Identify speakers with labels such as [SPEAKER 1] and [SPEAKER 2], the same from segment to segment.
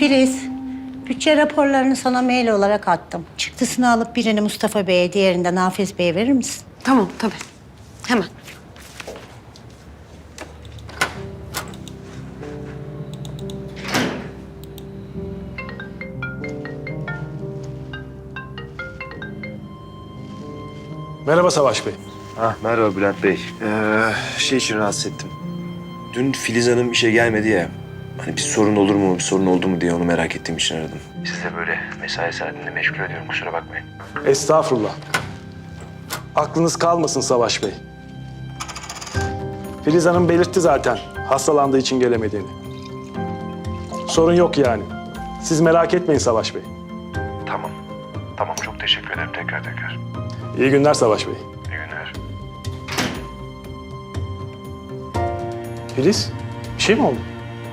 [SPEAKER 1] Filiz, bütçe raporlarını sana mail olarak attım. Çıktısını alıp birini Mustafa Bey'e, diğerini de Nafiz Bey'e verir misin?
[SPEAKER 2] Tamam, tabii. Hemen.
[SPEAKER 3] Merhaba Savaş Bey.
[SPEAKER 4] Merhaba Bülent Bey. Şey için rahatsız ettim. Dün Filiz Hanım işe gelmedi ya. Hani bir sorun olur mu, bir sorun oldu mu diye onu merak ettiğim için aradım. Siz de böyle mesai saatinde meşgul ediyorum, kusura bakmayın.
[SPEAKER 3] Estağfurullah. Aklınız kalmasın Savaş Bey. Filiz Hanım belirtti zaten hastalandığı için gelemediğini. Sorun yok yani. Siz merak etmeyin Savaş Bey.
[SPEAKER 4] Tamam. Tamam, çok teşekkür ederim tekrar.
[SPEAKER 3] İyi günler Savaş Bey.
[SPEAKER 4] İyi günler.
[SPEAKER 3] Filiz, bir şey mi oldu?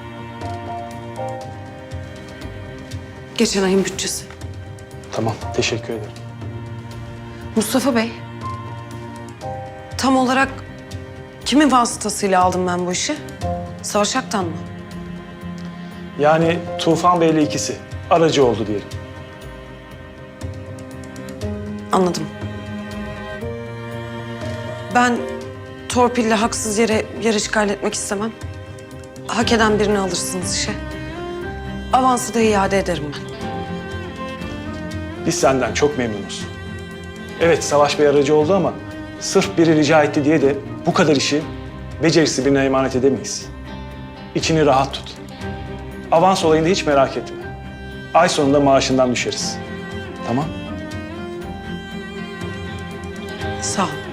[SPEAKER 2] Geçen ayın bütçesi.
[SPEAKER 3] Tamam, teşekkür ederim.
[SPEAKER 2] Mustafa Bey. Tam olarak kimin vasıtasıyla aldım ben bu işi? Savaş Aktan mı?
[SPEAKER 3] Yani Tufan Bey'le ikisi aracı oldu diyelim.
[SPEAKER 2] Anladım. Ben torpille haksız yere yer işgal etmek istemem. Hak eden birini alırsınız işe. Avansı da iade ederim ben.
[SPEAKER 3] Biz senden çok memnunuz. Evet Savaş Bey aracı oldu ama sırf biri rica etti diye de bu kadar işi becerisi birine emanet edemeyiz. İçini rahat tut. Avans olayında hiç merak etme. Ay sonunda maaşından düşeriz. Tamam?
[SPEAKER 2] Sağ ol.